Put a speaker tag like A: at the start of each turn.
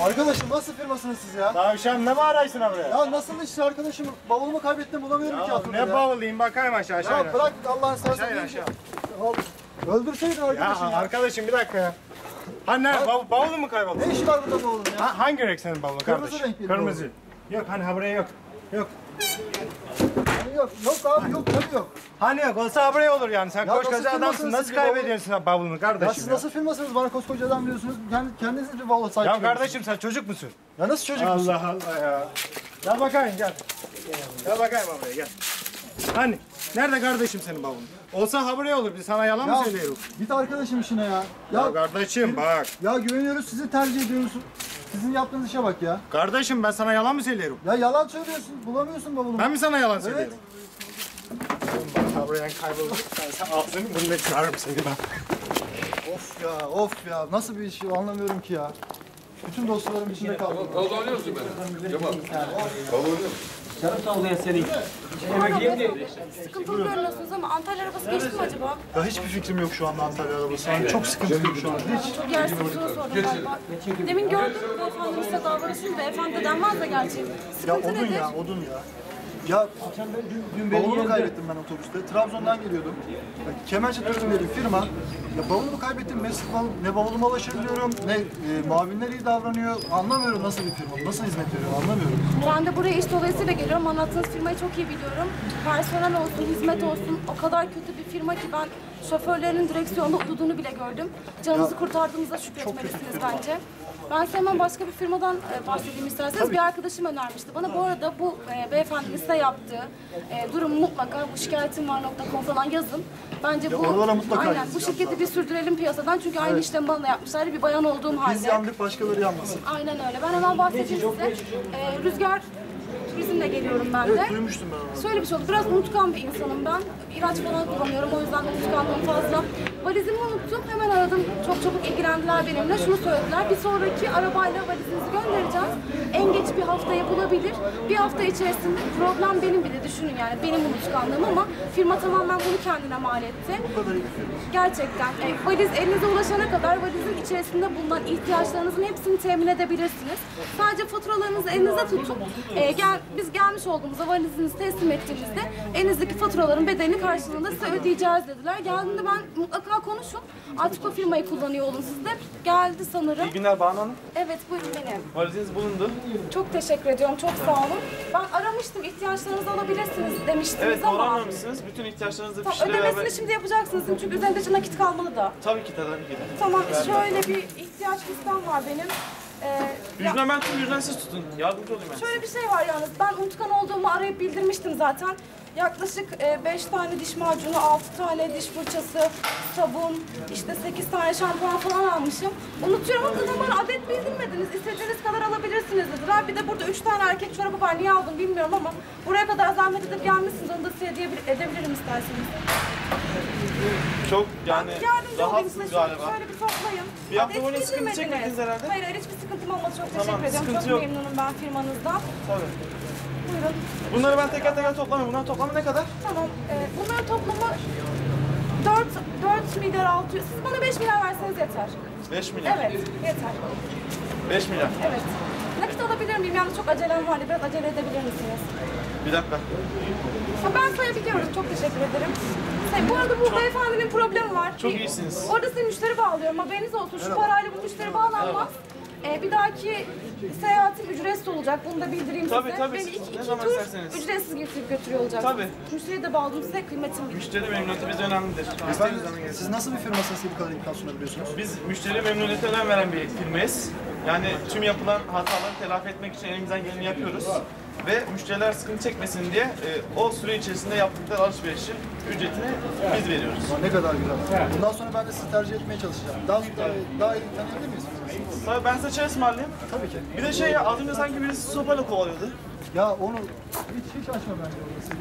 A: Arkadaşım nasıl firmasınız siz ya?
B: Tavşan ne mi araysın buraya?
A: Ya nasıl işte arkadaşım? Bavulumu kaybettim bulamıyorum ki altında ya.
B: Ne bavuluyum bakayım aşağı
A: Ya bırak Allah'ın seversen.
B: Aşağı.
A: Öldürseydin arkadaşım ya.
B: Arkadaşım bir dakika ya. Hani bavulun mu kayboldu?
A: Ne işi var burada bavulun ya?
B: Hangi renk senin bavulun
A: Kırmızı
B: kardeşim?
A: renk bir
B: Kırmızı. Yok hani ha buraya yok. Yok.
A: Hani yok abi yok tabii yok.
B: Hani yok olsa buraya olur yani. Sen
A: Ya
B: koskoca
A: nasıl
B: adamsın.
A: firmasınız
B: Nasıl
A: siz
B: kaybediyorsun bavulunu kardeşim
A: Ya siz nasıl firmasınız? Bana koskoca adam diyorsunuz. Kendiniz bir bavul sahibi.
B: Ya kardeşim sen çocuk musun?
A: Ya nasıl çocuk musun?
B: Allah Allah ya. Gel bakayım gel. Gel bakayım buraya gel. Hani nerede kardeşim senin bavulun? Olsa ha buraya olur. Biz sana yalan mı söylüyoruz?
A: Git arkadaşım işine ya.
B: Ya kardeşim bak.
A: Ya güveniyoruz sizi tercih ediyoruz. Sizin yaptığınız işe bak ya.
B: Kardeşim ben sana yalan mı söylüyorum?
A: Ya yalan söylüyorsun. Bulamıyorsun bavulumu.
B: Ben mi sana yalan
A: Evet.
B: söylüyorum? Ha buraya kaybolduk. Sen ağzını burnunu kırarım seni ben.
A: Of ya. Nasıl bir iş anlamıyorum ki ya. Bütün dostlarım içinde kaldım.
C: Kavga oynuyorsun beni. Cemal. Kavga oynuyor musun?
D: Sıkıntılı görünüyorsunuz ama Antalya arabası geçti mi acaba?
A: Ya hiçbir fikrim yok şu anda Antalya arabası. Yani çok sıkıntılıyım şu an. Hiç.
D: Çok yersiz bir soru sordum galiba. Demin gördüm beyefendi size davranışınız beyefendi de denmez de gerçi.
A: Ya
D: Sıkıntı
A: odun
D: nedir?
A: ya, odun ya. Ya dün bavulumu kaybettim ben otobüste. Trabzon'dan geliyordum. Ya, Kemerci Turizm diye bir firma. Ya bavulumu kaybettim. Ne bavuluma ulaşabiliyorum, ne muavinler iyi davranıyor. Anlamıyorum nasıl bir firma, nasıl hizmet veriyor anlamıyorum.
D: Ben de buraya iş dolayısıyla geliyorum. Anlattığınız firmayı çok iyi biliyorum. Personel olsun, hizmet olsun o kadar kötü bir firma ki ben şoförlerinin direksiyonda uyuduğunu bile gördüm. Canınızı kurtardığınızda şükretmelisiniz bence. Ben size hemen başka bir firmadan bahsedeyim isterseniz. Bir arkadaşım önermişti. Bana bu arada bu beyefendinin size yaptığı durumu mutlaka bu şikayetim var.com falan yazın. Bence bu
A: oralara mutlaka
D: aynen bu
A: yazacağım
D: şirketi bir sürdürelim piyasadan çünkü aynı işlemi bana da yapmışlardı bir bayan olduğum halde.
A: Biz yandık başkaları yanmasın.
D: Aynen öyle. Ben hemen bahsedeyim size. Rüzgar Turizm'le geliyorum ben de.
A: Evet duymuştum ben onu.
D: Şöyle bir şey oldu. Biraz unutkan bir insanım ben. İlaç falan kullanıyorum. O yüzden unutkanlığım fazla. Valizimi unuttum. Hemen aradım. Çok çabuk ilgilendiler benimle. Şunu söylediler. Bir sonraki arabayla valizinizi göndereceğiz. En geç bir haftaya bulabilir. Bir hafta içerisinde problem benim bir de düşünün yani. Benim unutkanlığım ama firma tamamen bunu kendine mal etti.
A: Bu kadar iyi bir firma.
D: Gerçekten. Valiz elinize ulaşana kadar valizin içerisinde bulunan ihtiyaçlarınızın hepsini temin edebilirsiniz. Sadece faturalarınızı elinize tutup biz gelmiş olduğumuzda valizinizi teslim ettiğimizde elinizdeki faturaların bedelini karşılığında size ödeyeceğiz dediler. Geldiğinde ben mutlaka konuşun. Artık o firmayı kullanıyor olun siz de. Geldi sanırım.
E: İyi günler Banu Hanım.
D: Evet buyurun benim.
E: Valiziniz bulundu.
D: Çok teşekkür ediyorum. Çok sağ olun. Ben aramıştım. İhtiyaçlarınızı alabilirsiniz demiştiniz
E: Evet
D: ama.
E: doğru anlamışsınız. Bütün ihtiyaçlarınızı
D: Tamam,
E: fişleri
D: ödemesini
E: beraber...
D: şimdi yapacaksınız çünkü üzerinde nakit kalmalı da.
E: Tabii ki tabii ki.
D: Tamam şöyle bir ihtiyaç listem var benim.
E: Müjden ben tüm müjden siz tutun. Yardımcı olayım ben size.
D: Şöyle bir şey var yalnız. Ben unutkan olduğumu arayıp bildirmiştim zaten. Yaklaşık 5 tane diş macunu, 6 tane diş fırçası, sabun, işte 8 tane şampuan falan almışım. Unutuyorum ama zaten bana adet bildirmediniz. İstediğiniz kadar alabilirsiniz dediler. Bir de burada 3 tane erkek çorabı var. Niye aldım bilmiyorum ama buraya kadar zahmet edip gelmişsiniz. Onu da size edebilirim isterseniz.
E: Çok yani
D: Yardımcı olayım size.
E: rahatsız galiba.
D: Şöyle bir toplayın.
E: Bir hafta
D: Adet
E: boyunca sıkıntı
D: bildirmediniz.
E: çekmediniz herhalde.
D: Hayır, hiçbir sıkıntım olmadı. Çok
E: Tamam,
D: teşekkür ediyorum.
E: sıkıntı
D: Çok
E: yok.
D: memnunum ben firmanızdan.
E: Tabii.
D: Buyurun.
E: Bunları ben teker teker toplamıyorum. Bunların toplamı ne kadar?
D: Tamam. Bunların toplamı 4 milyar 600. Siz bana 5 milyar verseniz yeter.
E: 5 milyar.
D: Evet, yeter.
E: 5 milyar.
D: Evet. Nakit alabilir miyim? Yalnız çok acelem vardı. Biraz acele edebilir misiniz?
E: Bir dakika.
D: Ben sayabiliyorum. Çok teşekkür ederim. Bu arada bu beyefendinin problemi var.
E: Çok iyisiniz.
D: Orada size müşteri bağlıyorum. Haberiniz olsun. Şu parayla bu müşteri bağlanmaz. Bir dahaki seyahatim ücretsiz olacak. Bunu da bildireyim
E: Tabii,
D: size.
E: tabii.
D: Beni
E: Ne
D: iki
E: zaman
D: tur
E: isterseniz.
D: ücretsiz getirip götürüyor olacak.
E: Tabii.
D: Müşteriyi de bağladım size. Kıymetim bilir.
E: Müşteri memnuniyeti bize önemlidir. İstediğiniz zaman gelin.
A: Siz nasıl bir firmasınız ki bu kadar imkan sunabiliyorsunuz?
E: Biz müşteri memnuniyeti önem veren bir firmayız. Yani tüm yapılan hataları telafi etmek için elimizden geleni yapıyoruz. Ve müşteriler sıkıntı çekmesin diye o süre içerisinde yaptıkları alışverişin ücretini biz veriyoruz.
A: Ne kadar güzel. Bundan sonra ben de sizi tercih etmeye çalışacağım. Daha iyi tanıyabilir miyiz?
E: Tabii ben size çay ısmarlayayım.
A: Tabii ki.
E: Bir de az önce sanki birisi sopayla kovalıyordu.
A: Ya onu hiç açma bence orası.